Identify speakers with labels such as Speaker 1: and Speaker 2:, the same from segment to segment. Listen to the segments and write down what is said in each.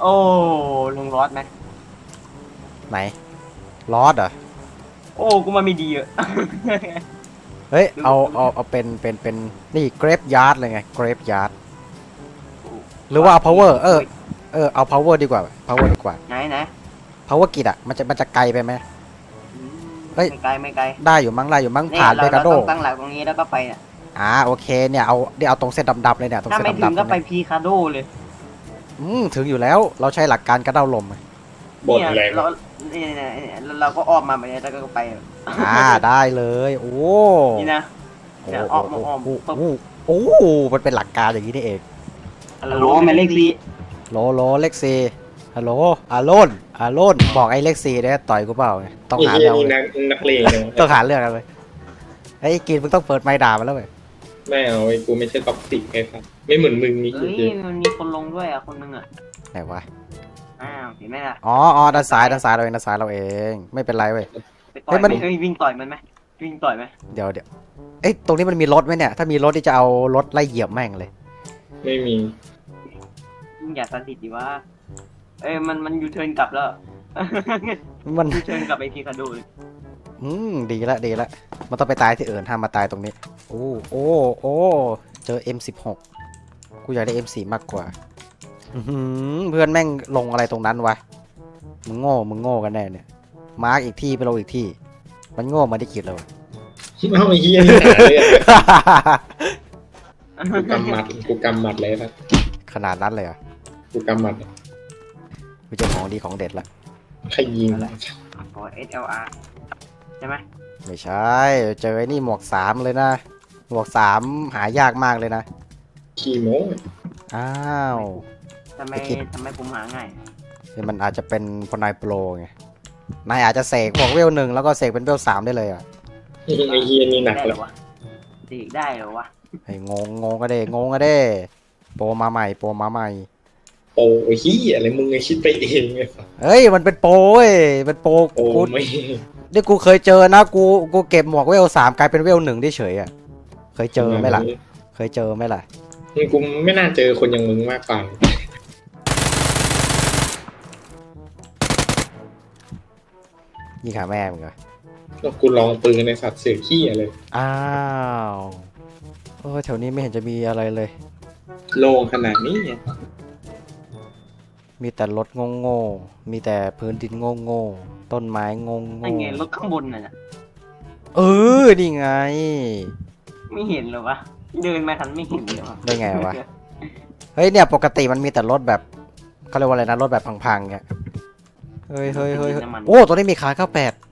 Speaker 1: โอ้ลงรอดไหม
Speaker 2: ไหนลอดเหรอ
Speaker 1: โอ้กูมาไม่ดีอะ
Speaker 2: เฮ้ยเอาเป็นนี่เกรฟยาร์ดเลยไงเกรฟยาร์ดหรือว่าเอา power เอา power ดีกว่า power ดีกว่า
Speaker 1: ไหน
Speaker 2: power กิจอะมันจะไกลไปไหม เฮ้ย
Speaker 1: ไม่ไกล
Speaker 2: ได้อยู่มั้ง
Speaker 1: นี่
Speaker 2: ผ่านเบกาโด
Speaker 1: เราต้องตั้งหลักตรงนี้แล้วก็ไปเนี่ย
Speaker 2: โอเคเนี่ยเอาตรงเส้นดำๆเลยเนี่ยตรง
Speaker 1: ถ้า
Speaker 2: เส้น
Speaker 1: ไม่ถึ
Speaker 2: ดำ
Speaker 1: ง
Speaker 2: ๆ
Speaker 1: ก็ไป
Speaker 2: เนี่ย
Speaker 1: พีคาโดเลย
Speaker 2: ถึงอยู่แล้วเราใช้หลักการกระเด้าลม
Speaker 3: บ่น
Speaker 1: เนี่ย
Speaker 3: แรง
Speaker 1: เราก็ออกมาแบบนี้แล้วก็ไป
Speaker 2: ได้เลยโอ้
Speaker 1: นี่นะ
Speaker 2: โอ้
Speaker 1: เนี่ยออกมาออก
Speaker 2: โอ้มันเป็นหลักการอย่างนี้นี่เอง
Speaker 1: ฮัลโหลแม่เลขสี่
Speaker 2: โลเล็กซีฮัลโหลอาโลนบอกไอ้เล็กซีเนี่ยต่อยกูเปล่าต้องหา
Speaker 3: นี่
Speaker 2: เรื่อง
Speaker 3: นี่
Speaker 2: เลย
Speaker 3: นักเลงนะ
Speaker 2: ต้องหาเรื่องกันเลยไอ้กินมึงต้องเปิดไม้ด่ามันแล้วเว้ย
Speaker 3: ไม่เอาไอ้กูไม่ใช่ท็อกซิกไงครับไม่เหมือนมึงนี่
Speaker 1: เฮ้ยมันมีคนลงด้วยอ่ะคนนึงอ่ะ
Speaker 2: ไหนวะ
Speaker 1: เห็นไหมล่ะ
Speaker 2: อ๋อด้านซ้ายเราเองไม่เป็นไรเว้ย
Speaker 1: ไปต่อยมันวิ่งต่อยมันไหมวิ่งต่อยไหม
Speaker 2: เดี๋ยวเอ้ยตรงนี้มันมีรถไหมเนี่ยถ้ามีรถที่จะเอารถไล่เหยียบแม่งเลย
Speaker 3: ไม่มี
Speaker 1: มึงอย่าตัดสิทธิ์ดิว่ามันยูเทิร์นกลับแล้ว
Speaker 2: มัน
Speaker 1: ยูเทิร์นกลับไปพีคาโดเลย
Speaker 2: ดีละมันต้องไปตายที่อื่นห้ามมาตายตรงนี้โอ้เจอ M16 กูอยากได้ M4 มากกว่าเพื่อนแม่งลงอะไรตรงนั้นวะมึงโง่กันแน่เนี่ยมาร์กอีกที่ไปลงอีกที่มันโง่มาได้กี่เลย
Speaker 3: เอาไอ้เฮียนี่หาเรื่องกูกำหมัดเลยครับ
Speaker 2: ขนาดนั้นเลยเหรอ่ะ
Speaker 3: กูกำหมัด
Speaker 2: กูเจอของดีของเด็ดละ
Speaker 3: ใครยิง
Speaker 1: อ๋อ SLR ใช่ไหม
Speaker 2: ไม่ใช่เจอไอ้นี่หมวก3เลยนะหมวก3หายากมากเลยนะ
Speaker 3: ขี่โม้
Speaker 2: อ้าว
Speaker 1: ทำไมผมหาง่าย
Speaker 2: นี่มันอาจจะเป็นพอนายโปรไงนายอาจจะเสกหมวกเวล 1แล้วก็เสกเป็นเวล 3ได้เลยอ่ะ
Speaker 3: ไอ้เฮียนี่หนัก
Speaker 1: ได้
Speaker 3: เล
Speaker 1: เหร
Speaker 3: ย
Speaker 1: อวะดีได้เหรอวะ
Speaker 2: ไอ้งงก็ได้โปรมาใหม่
Speaker 3: โอ้ยเฮียอะไรมึงไงคิดไปเองไง
Speaker 2: เฮ้ยมันเป็นโปรเว้ยเป็นโปร
Speaker 3: โอ้
Speaker 2: กู
Speaker 3: ไม่
Speaker 2: นี่กูเคยเจอนะกูเก็บหมวกเวล 3กลายเป็นเวล 1ได้เฉยอ่ะเคยเจอไหมล่ะ
Speaker 3: กูไม่น่าเจอคนอย่างมึงมากกว่า
Speaker 2: ยิงขาแม่มึงเหรอ
Speaker 3: แล้วกูลองปืนในสัตว์เสือขี้อะไร
Speaker 2: อ้าวแถวนี้ไม่เห็นจะมีอะไรเลย
Speaker 3: โล่งขนาดนี้
Speaker 2: มีแต่รถโง่มีแต่พื้นดินโง่ต้นไม้โง่
Speaker 1: นั่นไงรถข้างบนน่ะ
Speaker 2: นี่ไง
Speaker 1: ไม่เห็นเหรอวะเดินมาทันไม่เห็นเลยวะ
Speaker 2: ได้ไงวะ เฮ้ยเนี่ยปกติมันมีแต่รถแบบเขาเรียกว่าอะไรนะรถแบบพังๆเงี้ยเฮ้ยโอ้ตัวนี้มีคา98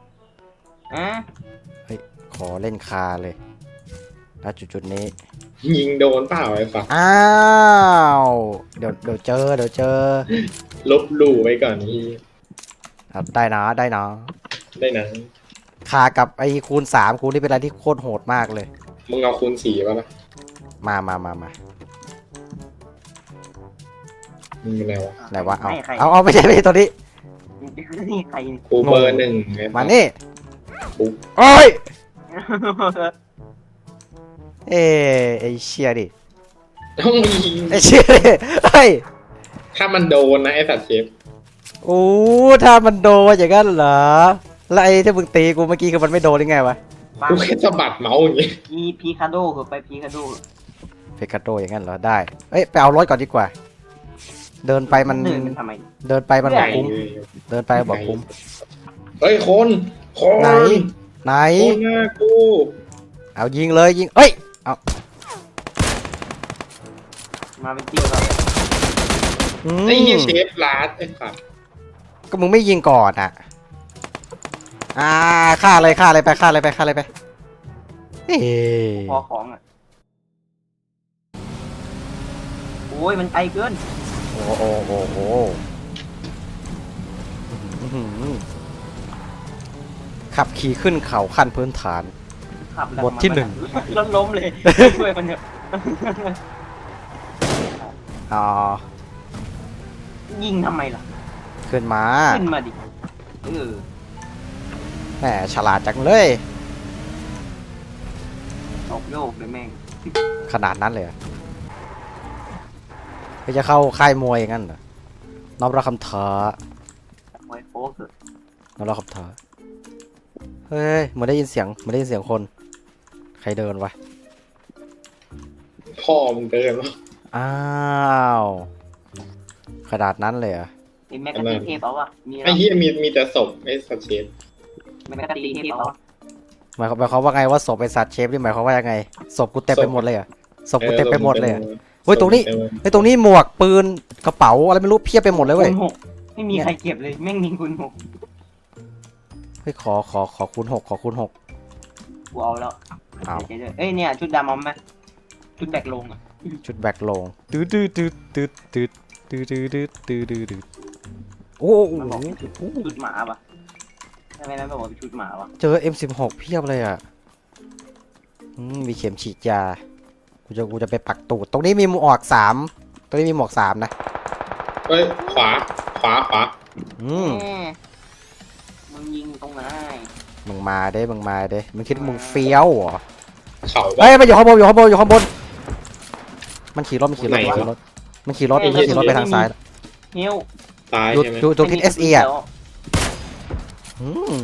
Speaker 2: ขอเล่นคาเลยณจุดนี้
Speaker 3: ยิงโดนเปล่าไอ้ฝัก
Speaker 2: อ้าวเดี๋ยวเจอ
Speaker 3: ลบหลู่ไว้ก่อนที่
Speaker 2: ได้นะ
Speaker 3: ได้นะ
Speaker 2: คากับไอ้คูณ3คูณนี่เป็นอะไรที่โคตรโหดมากเลย
Speaker 3: มึงเอาคูณ4ป่ะล่ะ
Speaker 2: มา
Speaker 3: มึงเป็นไงวะ
Speaker 2: ไหนวะเอาไม่ใช่ตัวนี้
Speaker 1: นี่ใคร
Speaker 3: กูเบอร์1ไง
Speaker 2: มานี่
Speaker 3: ปุ๊บ
Speaker 2: โอ้ยไอ้เชี่ยดิ
Speaker 3: ต้องยิง
Speaker 2: ไอ้เชี่ยดิเฮ้ย
Speaker 3: ถ้ามันโดนนะไอ้สัตว์เชฟ
Speaker 2: โอ้ถ้ามันโดนอย่างนั้นเหรอแล้วไอ้ที่มึงตีกูเมื่อกี้คือมันไม่โดนยังไงวะ
Speaker 3: กูแค่สะบัดเมาส์อย่างงี้
Speaker 1: พีคาโดคือไปพีคาโด
Speaker 2: เพกาโดอย่างนั้นเหรอได้ไปเอารถก่อนดีกว่าเดินไปมัน
Speaker 1: เดินทำไม
Speaker 2: บอกคุ้มเดินไปบอกคุ้ม
Speaker 3: เฮ้ยคน
Speaker 2: ไหน
Speaker 3: โคหน้ากู
Speaker 2: เอายิงเลยเอา
Speaker 1: มาเป็นตีแล้ว
Speaker 3: ไอ้เหี้ยเชฟลาดไอ้สัตว์
Speaker 2: ก็มึงไม่ยิงก่อนฆ่าเลยไป
Speaker 1: พอของอ่ะโอ้ยมันไกลเกิน
Speaker 2: โอ้ขับขี่ขึ้นเขาขั้นพื้นฐาน บทที่
Speaker 1: ล้มเลยช่วยมันเถอะ
Speaker 2: อ๋อ
Speaker 1: ยิงทำไมล่ะ
Speaker 2: ขึ้นมา
Speaker 1: ดิ
Speaker 2: แหมฉลาดจังเลย
Speaker 1: ตกโยกเลยแม่ง
Speaker 2: ขนาดนั้นเลยเหรอจะเข้าค่ายมวยอย่างนั้นเหรอน้อมรับคำท้า
Speaker 1: ไว้โป๊กเถอะ
Speaker 2: น้อมรับคำท้าเฮ้ยเหมือนได้ยินเสียงเหมือนได้ยินเสียงคนใครเดินวะ
Speaker 3: พ่อมึงเดินวะ
Speaker 2: อ้าวขนาดนั้นเลยเหรอ
Speaker 1: ไอ้แมกกาซีนเทพเอาวะมี
Speaker 3: ไอ้เหี้ยมีแต่ศพไอ้สัตว์เชฟ
Speaker 1: แมกกาซีนเทพเอาวะ
Speaker 2: หมายความว่าไงว่าศพเป็นสัตว์เชฟนี่หมายความว่ายังไงศพกูเต็มไปหมดเลยเหรอศพกูเต็มไปหมดเลยเหรอ เฮ้ยตรงนี้ ไอ้ยตรงนี้หมวกปืนกระเป๋าอะไรไม่รู้เพียบไปหมดเลยเว้ย
Speaker 1: คูณ6ไม่มีใครเก็บเลยแม่งมีคูณ
Speaker 2: เฮ้ยขอคูณ6ขอคูณ6
Speaker 1: 6กูเอาแล้ว
Speaker 2: เอา
Speaker 1: เดี๋ยวเอ้ยเนี่ยชุดดำเอาไหมชุดแบกลงอ่ะ
Speaker 2: ชุดแบกลงตืดตืดตืดตืดตืดตืดตืดตืดตืดตืดตืดโอ้โห
Speaker 1: มันบอกเป็นชุดหมาปะทำไมนั้นบอกว่าเป็นชุดหมาวะ
Speaker 2: เจอ M16 เพียบเลยอ่ะมีเข็มฉีดยากูจะไปปักตูดตรงนี้มีหมวก3ตรงนี้มีหมวก3นะ
Speaker 3: เฮ้ยขวา
Speaker 1: แหมมึงยิงตรงไหน
Speaker 2: มึงมาเด้มึงคิดว่ามึงเฟี้ยวเหรอ
Speaker 3: เขา
Speaker 2: เฮ้ยมันอยู่ข้างบนมันขี่รถ
Speaker 3: ไหนวะ
Speaker 2: มันขี่รถไปทางซ้าย
Speaker 1: เฮียว
Speaker 3: ตาย
Speaker 2: อยู่
Speaker 3: ใช่ไหม
Speaker 2: อยู่ตรงทิศ SE อ่ะอืม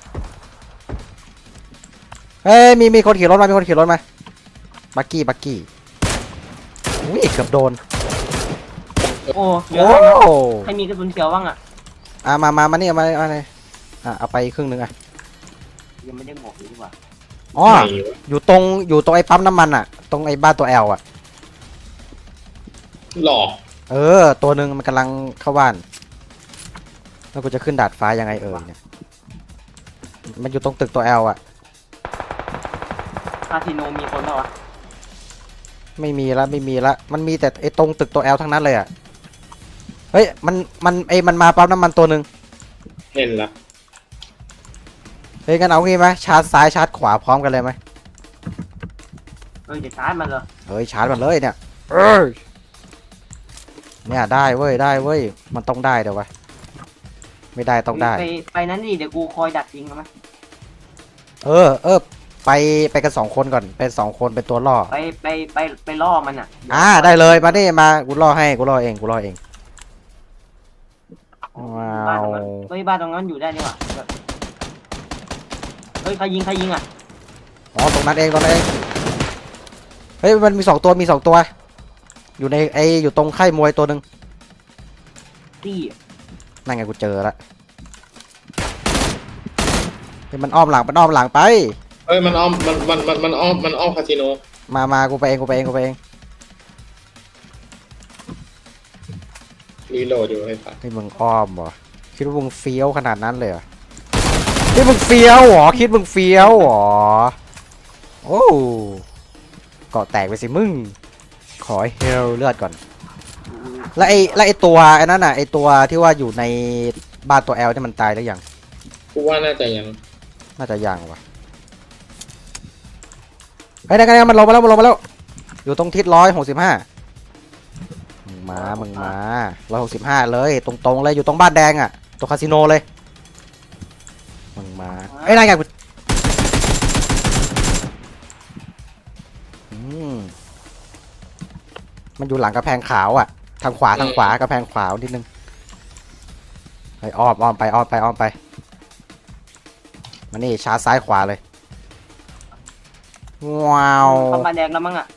Speaker 2: เฮ้ยมีคนขี่รถมาบักกี้อุ้ยเกือบโดน
Speaker 1: โอ้เดี๋ย
Speaker 2: โอ้
Speaker 1: วใครมีกระสุนเขียวบ้างอ่ะ
Speaker 2: มานี่มาเลยเอาไปครึ่งนึงอ่ะ
Speaker 1: ยังไม่ได้หมวกเลยดีกว่า
Speaker 2: อ๋อ
Speaker 3: ไหนวะ
Speaker 2: อยู่ตรงไอ้ปั๊มน้ำมันอ่ะตรงไอ้บ้านตัว L อ่ะ
Speaker 3: หลอก
Speaker 2: ตัวหนึ่งมันกำลังเข้าบ้านแล้วกูจะขึ้นดาดฟ้ายังไงเนี่ยมันอยู่ตรงตึกตัว L อ่ะ
Speaker 1: คาสิโนมีคนเปล่าวะ
Speaker 2: ไม่มีละมันมีแต่ไอ้ตรงตึกตัว L ทั้งนั้นเลยอ่ะเฮ้ยมันมาปั๊มน้ำมันตัวหนึ่ง
Speaker 3: เห็นละ
Speaker 2: เฮ้ยงั้นเอางี้ไหมชาร์จซ้ายชาร์จขวาพร้อมกันเลยไหม
Speaker 1: จะชาร์จมันเหรอ
Speaker 2: เฮ้ยชาร์จมันเลยเนี่ยเนี่ยได้เว้ยมันต้องได้เดี๋ยววะไม่ได้ต้องได้
Speaker 1: ไปนั้นดิเดี๋ยวกูคอยดักยิงมั้ย
Speaker 2: ไปกัน2 คนก่อนเป็น2 คนเป็นตัวล่อ
Speaker 1: ไปล่อมันอ่ะ
Speaker 2: ได้เลยมาดิมากูล่อเองว้าว
Speaker 1: บ้านตรงนั้นอยู่ได้นี่หว่าเฮ้ยใครยิงอ่ะ
Speaker 2: อ๋อตรงนั้นเองเฮ้ยมันมี2 ตัวอยู่ในอยู่ตรงค่ายมวยตัวหนึ่ง
Speaker 1: ตี้
Speaker 2: นั่นไงกูเจอละเฮ้ยมันอ้อมหลังไป
Speaker 3: เอ้ยมันอ้อมมันอ้อมคาสิโน
Speaker 2: มากูไปเอง
Speaker 3: รีโหลดอยู่ให้ป่ะ
Speaker 2: เฮ้ยมึงอ้อมเหรอคิดว่ามึงเฟี้ยวขนาดนั้นเลยเหรอคิดมึงเฟี้ยวเหรอโอ้เกาะแตกไปสิมึงขอเฮลเลือดก่อนแล้วไอ้ตัวไอ้นั่นน่ะไอ้ตัวที่ว่าอยู่ในบ้านตัว L ที่มันตายแล้วยัง
Speaker 3: กูว่าน่าจะยัง
Speaker 2: น่าจะยังวะเฮ้ยนั่นมันลงมาแล้วอยู่ตรงทิศ165มึงมา165เลยตรงเลยอยู่ตรงบ้านแดงอ่ะตรงคาสิโนเลยมึงมาไอ้นั่นไงมันอยู่หลังกระแพงขาวอ่ะทางขวากระแพงขวานิดนึงไปอ้อมไปมานี่ชาร์จซ้ายขวาเลยว้าว
Speaker 1: เข้าบ้านแดงแล้วมั้งอ่ะ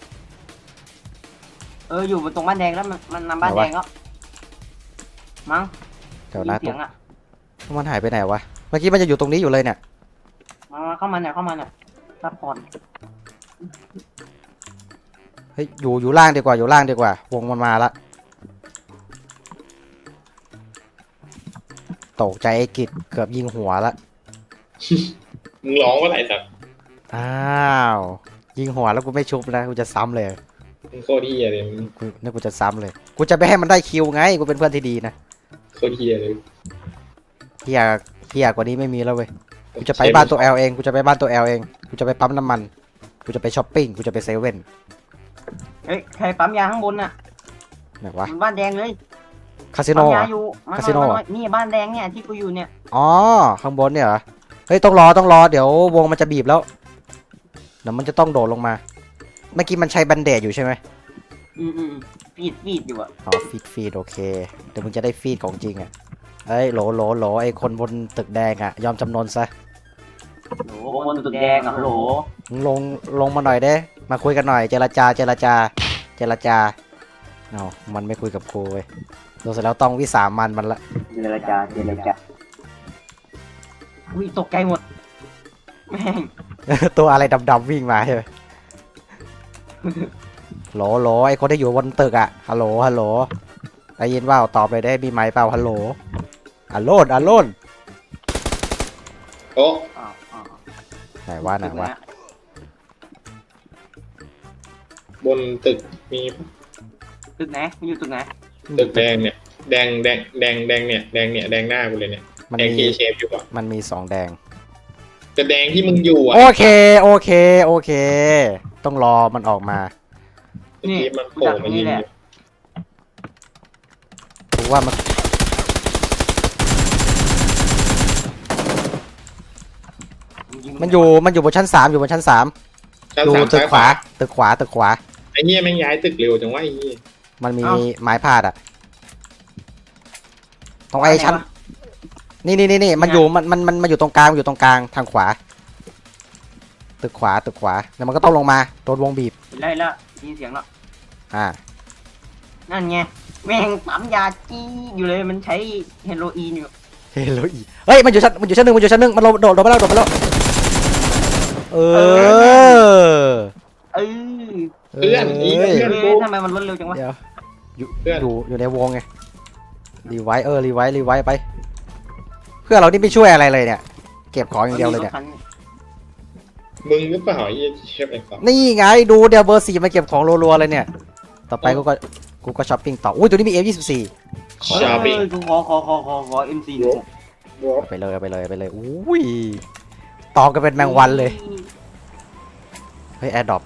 Speaker 1: อยู่บนตรงบ้านแดงแล้วมันนำบ้านแดงแล้วมั้ง
Speaker 2: เดี๋ยวนะ
Speaker 1: เสียงอ่ะ
Speaker 2: มันหายไปไหนวะเมื่อกี้มันจะอยู่ตรงนี้อยู่เลยเนี่ย
Speaker 1: มาเข้ามาเนี่ยซัพพอร์ต
Speaker 2: เฮ้ยอยู่ล่างดีกว่าวงมันมาละตกใจไอ้กิจเกือบยิงหัวละ
Speaker 3: มึงร้องว่าไรสัตว์
Speaker 2: อ้าวยิงหัวแล้วกูไม่ชุบนะกูจะซ้ำเลย
Speaker 3: มึงโคตรเฮียเลยมึง
Speaker 2: กูจะซ้ำเลยกูจะไม่ให้มันได้คิวไงกูเป็นเพื่อนที่ดีนะ
Speaker 3: โคตรเฮียเลย
Speaker 2: เฮียกว่านี้ไม่มีแล้วเว้ยกูจะไปบ้านตัว L เองกูจะไปปั๊มน้ำมันกูจะไปช้อปปิ้งกูจะไปเซเว่น
Speaker 1: เฮ้ยใครปั๊มยาข้างบนน่ะ
Speaker 2: ไหนวะ
Speaker 1: บ้านแดงเลย
Speaker 2: คาสิโน
Speaker 1: ปั๊ม
Speaker 2: เหร
Speaker 1: ยา
Speaker 2: อ
Speaker 1: อยู่
Speaker 2: คาสิโนเหรอ
Speaker 1: นี่บ้านแดงเนี่ยที่กูอยู่เนี่ย
Speaker 2: อ๋อข้างบนเนี่ยเหรอเฮ้ยต้องรอเดี๋ยววงมันจะบีบแล้วเดี๋ยวมันจะต้องโดดลงมาเมื่อกี้มันใช้แบนเดดอยู่ใช่ไหม
Speaker 1: อืมฟีดอยู่อะ
Speaker 2: อ๋อฟีดโอเคเดี๋ยวมึงจะได้ฟีดของจริงอ่ะเอ้ยโหลไอ้คนบนตึกแดงอ่ะยอมจำนนซะ
Speaker 1: โหคนตึกแดงอะโหล
Speaker 2: มึงลงมาหน่อยเด้มาคุยกันหน่อยเจรจาเอามันไม่คุยกับกูเว้ยโดนเสร็จแล้วต้องวิสามันละ
Speaker 1: เจรจาอุ้ยตกใจหมดแม่ง
Speaker 2: ตัวอะไรดำๆวิ่งมาใช่ไหมโหลไอ้คนที่อยู่บนตึกอ่ะฮัลโหลได้ยินว่าตอบเลยได้มีไหมค์เปล่าฮัลโหลอัลโลน
Speaker 3: โอ้
Speaker 1: อ้าว
Speaker 2: ไหนว่า
Speaker 3: บนตึกมี
Speaker 1: ตึกไหนมันอยู่ตึกไหน
Speaker 3: ตึกแดงเนี่ยแดงเนี่ยแดงหน้ากูเลยเนี่ย
Speaker 2: มัน
Speaker 3: แดง
Speaker 2: มี
Speaker 3: เคเชฟอยู่อ่ะ
Speaker 2: มันมี2แดง
Speaker 3: แต่แดงที่มึงอยู่อ่ะ
Speaker 2: โอเคต้องรอมันออกมา
Speaker 3: เมื่อกี้มันโผล่มายิงอยู่
Speaker 2: ถูกว่ามันอยู่บนชั้น 3อยู่บนชั้น 3
Speaker 3: ชั้น
Speaker 2: อยู่
Speaker 3: สาม
Speaker 2: ตึก
Speaker 3: ซ้าย
Speaker 2: ขวาตึกขวา
Speaker 3: ไอ้เหี้ยแม่งย้ายตึกเร็วจังวะไอ้เหี้ย
Speaker 2: มันมีไม้พาดอ่ะตรงไอ้ชั้นนี่มันอยู่ตรงกลางทางขวาตึกขวาแล้วมันก็ต้องลงมาโดนวงบีบ
Speaker 1: เห็นแล้วยินเสียงแล้ว
Speaker 2: อ่า
Speaker 1: นั่นไงแม่งปั๊มยาจี้อยู่เลยมันใช้เฮโรอีนอยู่
Speaker 2: เฮ้ยมันอยู่ชั้นหนึ่งมันโดดไปแล้วเออ
Speaker 1: เออ
Speaker 3: เพื่อนอีก
Speaker 2: เอ้ย
Speaker 3: เพื่อนกู
Speaker 1: ทำไมมันรวดเร็วจังวะ
Speaker 2: เดี๋ยวอยู่
Speaker 3: เพื่อน
Speaker 2: อยู่ในวงไงรีไวท์ไป เพื่อนเรานี่ไม่ช่วยอะไรเลยเนี่ย เก็บของอย่างเดียวเลยเนี่ย
Speaker 3: มึงหรือเปล่าไอ้เหี้ยเชฟไอ้สัส
Speaker 2: นี่ไงดูเดี๋ยวเบอร์ 4มาเก็บของรัวๆเลยเนี่ย ต่อไปกูก็ช้อปปิ้งต่ออุ้ยตัวนี้มี F24
Speaker 3: ชาบิ
Speaker 1: กูขอ MC หนึ่ง
Speaker 2: เอาไปเลยอุ้ยต่อกันเป็นแมงวันเลยเฮ้ยแอร์ดรอป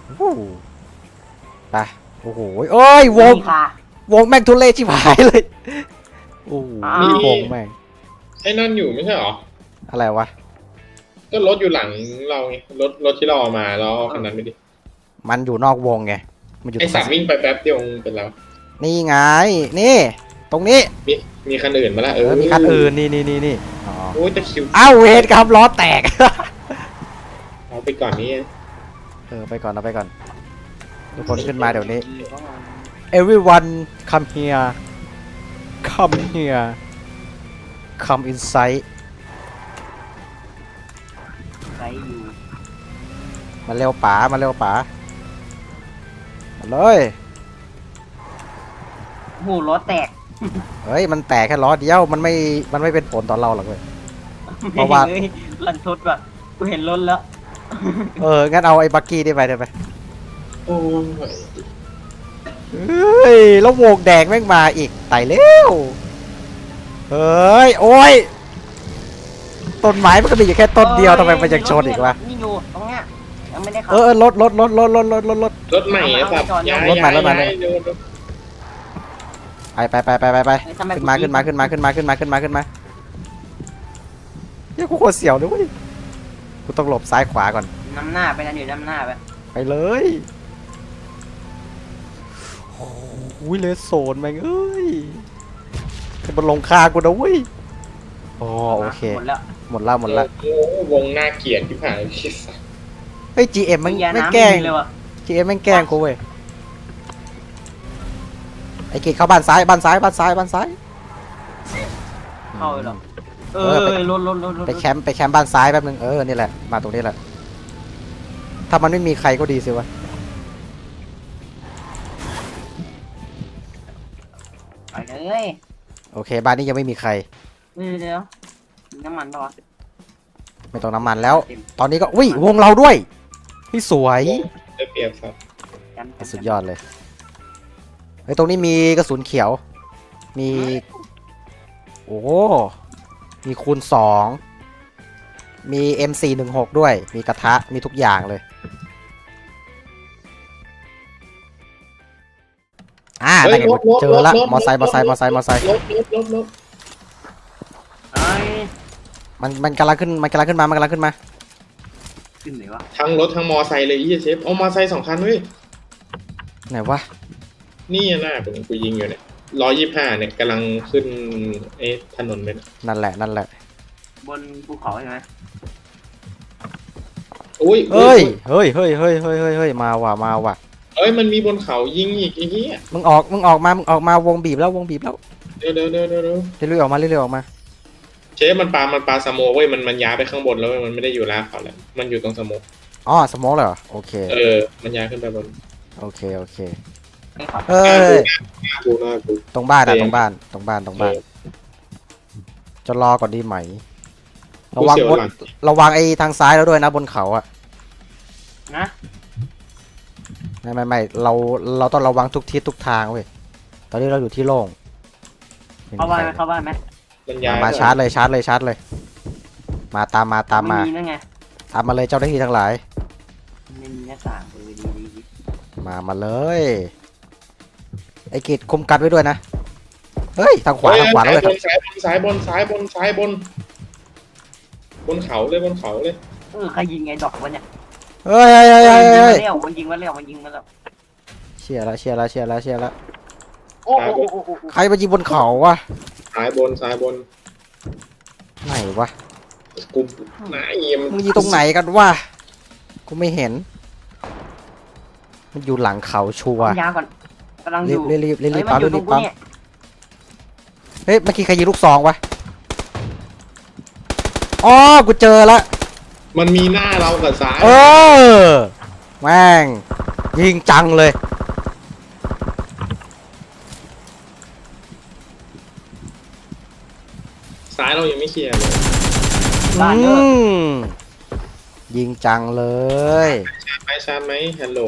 Speaker 2: ไปโอ้โหเอ้ยวง
Speaker 1: ค่ะ
Speaker 2: แม่งทุเรศชิบหายเลยโอ้โหวงแม่ง
Speaker 3: ไอ้นั่นอยู่ไม่ใช่เหรอ
Speaker 2: อะไรวะ
Speaker 3: ก็รถอยู่หลังเราไงรถที่เราเอามาแล้วเอาคันนั้นไปดิ
Speaker 2: มันอยู่นอกวงไงมันอยู่
Speaker 3: ไอ้สัตว์วิ่งไปแป๊บเดียวมึงเป็นแล้ว
Speaker 2: นี่ไงนี่ตรงนี้
Speaker 3: มีคันอื่นมาละ
Speaker 2: มีคันอื่นนี่อ๋อ
Speaker 3: โอ้ยจะคิว
Speaker 2: อ้าวเวทครับล้อแตก
Speaker 3: เอาไปก่อนนี้
Speaker 2: ไปก่อนทุกคนขึ้นมาเดี๋ยวนี้ everyone come here come inside
Speaker 1: ใส่อยู่
Speaker 2: มาเร็วป๋ามาเลย
Speaker 1: โหล้อแตก
Speaker 2: เฮ้ยมันแตกแค่ล้อเดียวมันไม่เป็นผลต่อเราหรอกเลย เพราะว่า
Speaker 1: ฮ้ยลันทดว่ะกูเห็นรถแล้ว
Speaker 2: งั้นเอาไอ้บักกี้ได้ไป
Speaker 3: โอ้ย
Speaker 2: เฮ้ยแล้ววงแดงแม่งมาอีกไต่เร็วเฮ้ยโอ้ยต้นไม้มันก็มีอยู่แค่ต้นเดียวทำไมมันยังชนอีกวะ
Speaker 1: นี่อยู่ตรงเนี้ยยังไม่ได้ขับ
Speaker 2: รถ
Speaker 3: รถใหม่ไอ้สัตว์ย้าย
Speaker 2: รถใหม่ ไป
Speaker 1: ทำไม
Speaker 2: ขึ้นมาเฮ้ยกูโคตรเสียวเลยเว้ยกูต้องหลบซ้ายขวาก่อน
Speaker 1: น้ำหน้าไปนะเดี๋ยวน้ำหน้าไป
Speaker 2: ไปเลยโอ้ยเลสโซนแม่งเอ้ยจะมาลงคากูนะเว้ยอ๋อโอเค
Speaker 1: หมดแล้ว
Speaker 2: หมดละ
Speaker 3: โอ้วงหน้าเกลียดที่ผ่านที่สัตว์
Speaker 2: เฮ้ย GM แม่ง
Speaker 1: ยา
Speaker 2: แม่ง
Speaker 1: น้ำ
Speaker 2: แกล้ง
Speaker 1: เลยว่ะ
Speaker 2: GM แม่งแกล้งกูเว้ยไอ้เกดเข้าบ้านซ้าย
Speaker 1: เข้าเลยเหรอรถ
Speaker 2: ไปแคมป์บ้านซ้ายแป๊บนึงนี่แหละมาตรงนี้แหละถ้ามันไม่มีใครก็ดีสิวะ
Speaker 1: ไปเลย
Speaker 2: โอเคบ้านนี้ยังไม่มีใคร
Speaker 1: เดี๋ยวน้ำมันป่ะวะ
Speaker 2: ไม่ต้องน้ำมันแล้ว ตอนนี้ก็อุ้ยวงเราด้วยพี่สวย
Speaker 3: ได้เปรียบสัตว์
Speaker 2: สุดยอดเลยเฮ้ยตรงนี้มีกระสุนเขียวมีโอ้มีคูณ2มี M416 ด้วยมีกระทะมีทุกอย่างเลยนั่นไงเจอละมอไซค์
Speaker 3: รถ
Speaker 1: ไอ้
Speaker 2: มันกำลังขึ้นมา
Speaker 1: ขึ้นไหนวะ
Speaker 3: ทั้งรถทั้งมอไซค์เลยไอ้เชฟเอามอไซค์2 คันเว้ย
Speaker 2: ไหนวะ
Speaker 3: นี่หน้ากูยิงอยู่เนี่ย125เนี่ยกำลังขึ้นถนนไปนะ
Speaker 2: นั่นแหละนั่นแหละ
Speaker 1: บนภูเขาใช่ไหม
Speaker 3: อุ้ย
Speaker 2: เฮ้ยเฮ้ยเฮ้ยเฮ้ยเฮ้ยเฮ้ยเฮ้ยมาว่ะมาว่ะ
Speaker 3: เอ้ยมันมีบนเขายิงอีกไอ้เหี้ย
Speaker 2: มึงออกมาวงบีบแล้ววงบีบแล้ว
Speaker 3: เดี๋ยว
Speaker 2: เรื่อยๆออกมาเรื่อยๆออกมา
Speaker 3: เชฟมันปลาสโมกเว้ยมันย้ายไปข้างบนแล้วเว้ยมันไม่ได้อยู่ล่างเขาแล้วมันอยู่ตรงสโมก
Speaker 2: อ๋อสโมองเลยเหรอโอเค
Speaker 3: มันย้ายขึ้นไปบน
Speaker 2: โอเคโอเค
Speaker 1: ไอ้ขอ
Speaker 2: เฮ้ย
Speaker 3: หน้ากู
Speaker 2: ตรงบ้านอะ
Speaker 3: เออ
Speaker 2: ตรงบ้านจะรอก่อนดีไหมระวัง
Speaker 3: กูเสียว
Speaker 2: บน
Speaker 3: หลัง
Speaker 2: ระวังไอ้ทางซ้ายแล้วด้วยนะบนเขาอะ
Speaker 1: นะ
Speaker 2: ไม่เราต้องระวังทุกทิศทุกทางเว้ยตอนนี้เราอยู่ที่โล่ง
Speaker 1: เข้าบ้านไหมเข้าบ้านไหม
Speaker 3: มันย้าย
Speaker 2: มาชาร์จเลยมาตามมา
Speaker 1: ไม่มีนั่นไง
Speaker 2: ตามมาเลยเจ้าหน้าที่ทั้งหลาย
Speaker 1: ไม่มีหน้าต่างดี
Speaker 2: มาเลยไอ้กิจคุมกัดไว้ด้วยนะเฮ้ยทางขวาแล้วเว้ย
Speaker 3: ซ้ายบนบนเขาเลย
Speaker 1: ใครยิงไงดอกวะเนี่ย
Speaker 2: เฮ้ย
Speaker 1: มันยิงมาแล้ว
Speaker 2: เชียร์ละ
Speaker 1: โอ้โห
Speaker 2: ใครมายิงบนเขาวะ
Speaker 3: ซ้ายบน
Speaker 2: ไหนวะ
Speaker 3: กูหน้าเยี่ยม
Speaker 2: มึงยิงตรงไหนกันวะกูไม่เห็น มันอยู่หลังเขาชัวร์
Speaker 1: ยาก่อนกำลังอยู่
Speaker 2: รีบปั๊มเฮ้ยเมื่อกี้ใครยิงลูกซองวะอ๋อกูเจอละ
Speaker 3: มันมีหน้าเรากับซ้าย
Speaker 2: เออแม่งยิงจังเลย
Speaker 3: ซ้ายเรายังไม่เคลียร์เลย
Speaker 2: อืมยิงจังเลย
Speaker 3: ชาร์จไหมฮัลโหล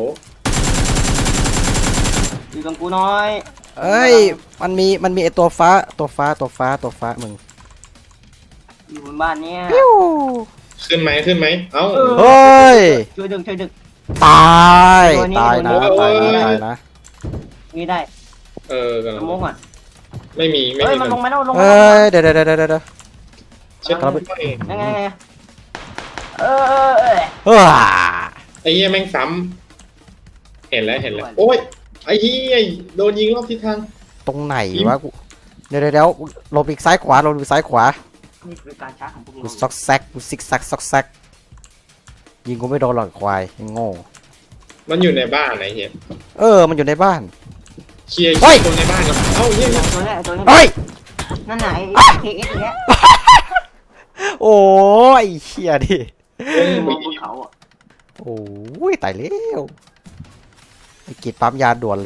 Speaker 1: อยู่ตรงกูน้อย
Speaker 2: เอ้ยมันมีไอตัวฟ้ามึง
Speaker 1: อยู่บนบ้านเนี่ย
Speaker 2: ปิ้ว
Speaker 3: ขึ้นไหมเอ้า
Speaker 2: เฮ้ย
Speaker 1: ช่วยดึง
Speaker 2: ตาย
Speaker 1: ตัวนี้
Speaker 2: ตายนะ
Speaker 3: ตัวนี้
Speaker 2: ตายนะ
Speaker 1: นี่ได้
Speaker 3: กำลั
Speaker 1: ส
Speaker 3: ง
Speaker 1: มองก่อน
Speaker 3: ไม่มี
Speaker 1: เฮ้ยมันลงมาแล้ว
Speaker 2: เอ้ยเดี๋ยว
Speaker 3: เช็ด
Speaker 1: ยังไงเออ
Speaker 2: เฮ้ย
Speaker 3: ไอ้เหี้ยแม่งซ้ำเห็นแล้วโอ้ยไอ้เหี้ยโดนยิงรอบทิศทาง
Speaker 2: ตรงไหนวะกูเดี๋ยวหลบอีกซ้ายขวา
Speaker 1: นี่คือการช้าของพวก
Speaker 2: กู
Speaker 1: เรา
Speaker 2: ซอกแซกกูซิกแซกยิงกูไม่โดนหรอกควายยังโง่
Speaker 3: มันอยู่ในบ้านไอ้เหี้ย
Speaker 2: มันอยู่ในบ้าน
Speaker 3: เคลียร์
Speaker 2: เฮ้ย
Speaker 3: คนในบ้านก่อนเอ้าเหี้ย
Speaker 1: ตัวนี้
Speaker 2: เฮ้ย
Speaker 1: นั่นไหนเคเอสอย่างเงี้ย
Speaker 2: โอ้ยเชี่ยดิ
Speaker 1: มองบนเขาอ่ะ
Speaker 2: โอ้ยตายแล้วไอ้กีดปั๊มยาด่วนเลย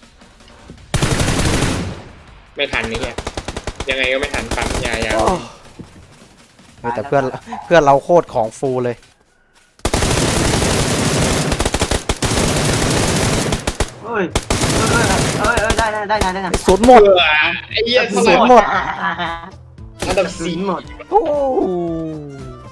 Speaker 3: ไม่ทันนี่เหี้ยยังไงก็ไม่ทันปั๊มยา
Speaker 2: แต่เพื่อนเราโคตรของฟูเลย
Speaker 1: เฮ้ยได้
Speaker 2: ศูนย์หมด
Speaker 3: ไอ้เหี้ยเท่าไห
Speaker 2: ศู
Speaker 3: ร่
Speaker 2: นย์หมด
Speaker 3: อันดับ
Speaker 1: สี
Speaker 3: 4
Speaker 1: หมด
Speaker 2: โอ้